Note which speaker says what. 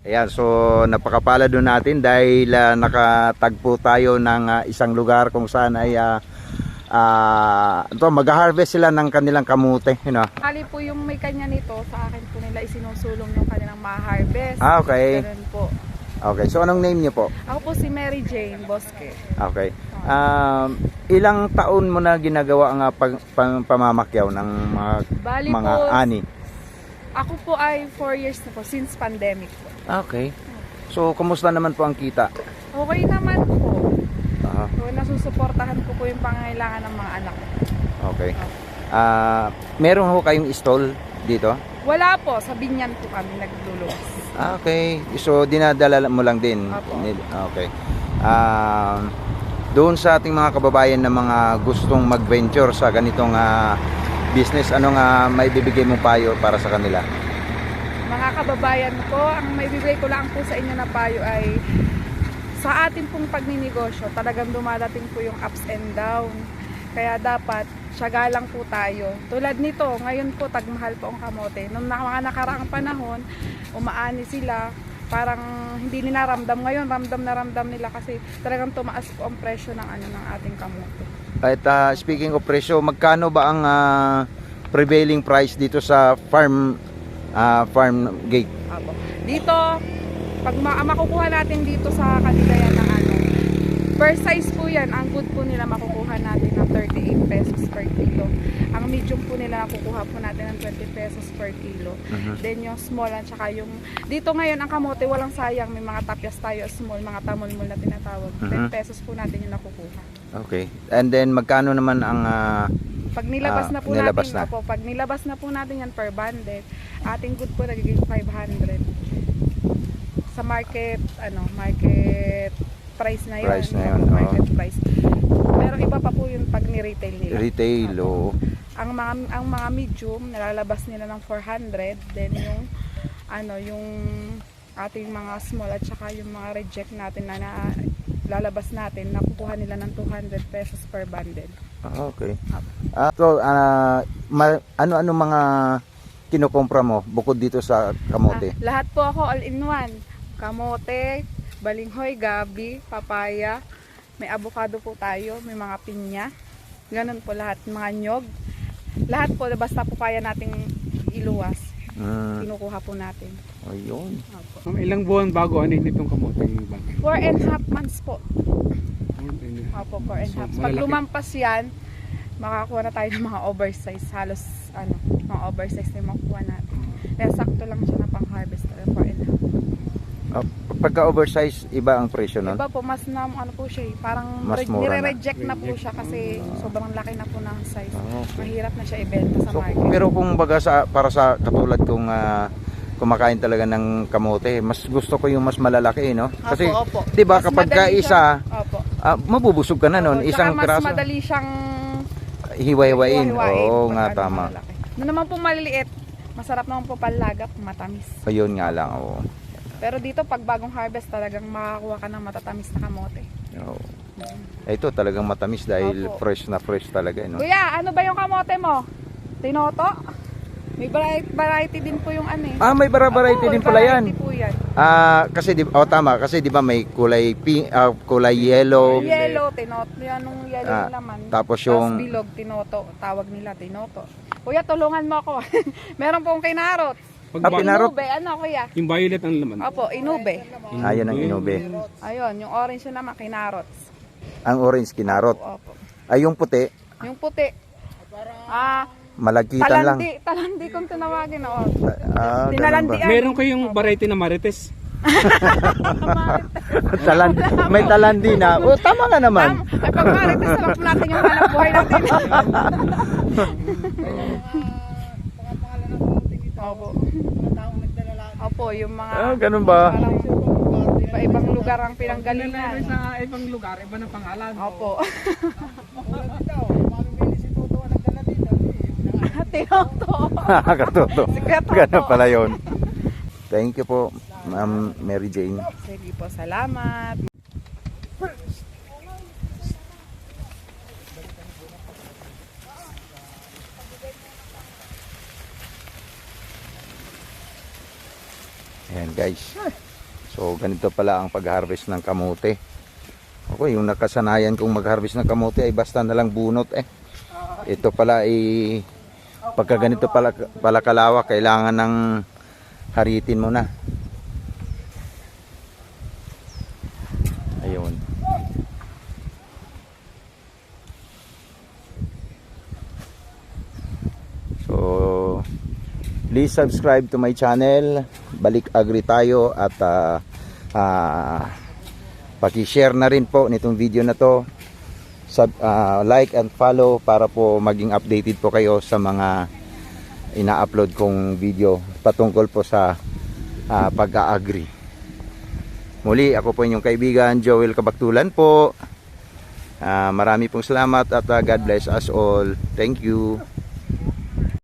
Speaker 1: Ayan, so napakapala doon natin dahil nakatagpo tayo ng isang lugar kung saan ay mag-harvest sila ng kanilang kamote, you know.
Speaker 2: Kali po yung may kanya nito, sa akin po nila isinusulong yung kanilang ma-harvest.
Speaker 1: Okay.
Speaker 2: Ganun po.
Speaker 1: Okay, so anong name niyo po?
Speaker 2: Ako po si Mary Jane Bosque.
Speaker 1: Okay. Ilang taon mo na ginagawa ang pamamakyaw ng
Speaker 2: Bali
Speaker 1: mga
Speaker 2: po,
Speaker 1: ani?
Speaker 2: Ako po ay 4 years na po, since pandemic po.
Speaker 1: Okay. So, kumusta naman po ang kita?
Speaker 2: Okay naman po.
Speaker 1: Ah,
Speaker 2: So, nasusuportahan ko po yung pangangailangan ng mga anak.
Speaker 1: okay. Meron ho kayong stall dito?
Speaker 2: Wala po, sa Binyan po kami nagluluwas.
Speaker 1: Okay. So, dinadala mo lang din?
Speaker 2: Apo.
Speaker 1: Okay. Doon sa ating mga kababayan na mga gustong mag-venture sa ganitong business, anong may bibigay mong payo para sa kanila?
Speaker 2: Mga kababayan ko, ang may bibigay ko lang po sa inyo na payo ay sa ating pong pagninegosyo, talagang dumadating po yung ups and down. Kaya dapat tiyaga lang po tayo. Tulad nito, ngayon po tagmahal po ang kamote. Nung mga nakaraang panahon, umaani sila, parang hindi nila ramdam. Ngayon, ramdam nila kasi talagang tumaas po ang presyo ng ng ating kamote.
Speaker 1: At speaking of presyo, magkano ba ang prevailing price dito sa farm gate?
Speaker 2: Apo. Dito, pag makukuha natin dito sa kanila yan ng per size po yan, ang good po nila makukuha natin ng 38 pesos per kilo. Ang medium po nila makukuha po natin ng 20 pesos per kilo. Then yung small at saka yung dito ngayon ang kamote walang sayang, may mga tapyas tayo small, mga tamulmul na tinatawag. 10 pesos po natin yung nakukuha.
Speaker 1: Okay. And then magkano naman ang
Speaker 2: pag nilabas na po
Speaker 1: nilabas
Speaker 2: natin,
Speaker 1: na.
Speaker 2: Opo, pag nilabas na po natin yan per bundle, ating good po nagiging 500. Sa market, market price na yun.
Speaker 1: Price na yun,
Speaker 2: Market price. Pero iba pa po yun pag ni-retail nila.
Speaker 1: retail o
Speaker 2: Ang mga medium, nalalabas nila ng 400. Then yung ating mga small at saka yung mga reject natin na lalabas natin, nakukuha nila ng 200 pesos per bundle.
Speaker 1: okay. So ano mga kinukumpra mo bukod dito sa kamote?
Speaker 2: Lahat po ako all-in-one. Kamote, balinghoy, gabi, papaya, may avocado po tayo, may mga pinya. Ganun po lahat, mga nyog. Lahat po, basta po kaya nating iluwas. Kinukuha po natin.
Speaker 1: Ayun.
Speaker 2: Opo.
Speaker 3: Ilang buwan bago anin itong kamoteng bagay?
Speaker 2: 4.5 months po. Opo, 4.5. Pag lumampas yan, makakuha na tayo ng mga oversize. Halos, mga oversize na yung makukuha natin. Kaya sakto lang siya na pang-harvest. 4.5.
Speaker 1: Pagka oversize, iba ang presyo nun?
Speaker 2: Iba po, mas na, po siya parang
Speaker 1: Mas mura na.
Speaker 2: nire-reject na po siya kasi sobrang laki na po ng size.
Speaker 1: Okay.
Speaker 2: Mahirap na siya ibenta sa
Speaker 1: So,
Speaker 2: market.
Speaker 1: pero kung baga para sa katulad kong kumakain talaga ng kamote, mas gusto ko yung mas malalaki, no? Kasi,
Speaker 2: Opo.
Speaker 1: 'di ba
Speaker 2: Mas
Speaker 1: kapag ka
Speaker 2: madali
Speaker 1: isa,
Speaker 2: Opo.
Speaker 1: mabubusog ka na nun,
Speaker 2: Opo,
Speaker 1: isang
Speaker 2: tsaka
Speaker 1: piraso.
Speaker 2: mas madali siyang
Speaker 1: Hiwa-hiwain.
Speaker 2: hiwa-hiwain
Speaker 1: Oo
Speaker 2: pag
Speaker 1: nga,
Speaker 2: ano,
Speaker 1: tama.
Speaker 2: malalaki. Noon naman po maliliit, masarap naman po panlaga, matamis.
Speaker 1: Ayun nga lang, oo.
Speaker 2: Pero dito pag bagong harvest talagang makakakuha ka ng matatamis na kamote.
Speaker 1: Oo. Ito talagang matamis dahil
Speaker 2: Opo.
Speaker 1: fresh na fresh talaga, no?
Speaker 2: Kuya, ano ba yung kamote mo? Tinoto? May variety din po yung
Speaker 1: May variety
Speaker 2: Opo,
Speaker 1: din pala yan.
Speaker 2: variety po yan.
Speaker 1: Kasi tama, kasi 'di ba may kulay pink, kulay yellow.
Speaker 2: Yellow, tinoto. Yan yung yellow yung laman.
Speaker 1: Tapos yung
Speaker 2: bilog, tinoto. Tawag nila, tinoto. Kuya, tulungan mo ako. Meron pong kinarot.
Speaker 1: pinarot.
Speaker 2: Inube, kuya?
Speaker 3: Yung violet ang laman.
Speaker 2: Opo, inube.
Speaker 1: Ayan ang inube.
Speaker 2: Ayun, yung orange yun naman, kinarots.
Speaker 1: Ang orange kinarot.
Speaker 2: Opo.
Speaker 1: Ay yung puti,
Speaker 2: Yung puti.
Speaker 1: malagkitan lang.
Speaker 2: Talandi kung tinawagin.
Speaker 1: Ganun
Speaker 2: Tinalandi.
Speaker 1: ba?
Speaker 3: Meron kayong variety na marites.
Speaker 1: May talandi na. Tama nga naman.
Speaker 2: Ay, pag marites, alam po natin yung hanap buhay natin. Opo. Opo, yung mga
Speaker 1: Ganun ba?
Speaker 2: parang iba-ibang lugar ang pinanggalingan.
Speaker 3: Sa ibang lugar, iba ng pangalan.
Speaker 2: Opo. Tinoto.
Speaker 1: Katuto.
Speaker 2: Sikreto
Speaker 1: Ganun
Speaker 2: po.
Speaker 1: pala yun. Thank you po, Ma'am Mary Jane.
Speaker 2: Sige po, salamat.
Speaker 1: Ayan guys. So ganito pala ang pag-harvest ng kamote. Ako, yung nakasanayan kong mag-harvest ng kamote ay basta na lang bunot eh. Ito pala ay pagka ganito pala kalawak, kailangan ng haritin mo na. Ayun. So, please subscribe to my channel. Balik Agri tayo at paki-share na rin po nitong video na to. Like and follow para po maging updated po kayo sa mga ina-upload kong video patungkol po sa pag-agri. Muli, ako po inyong kaibigan, Joel Kabaktulan po. Marami pong salamat at God bless us all. Thank you.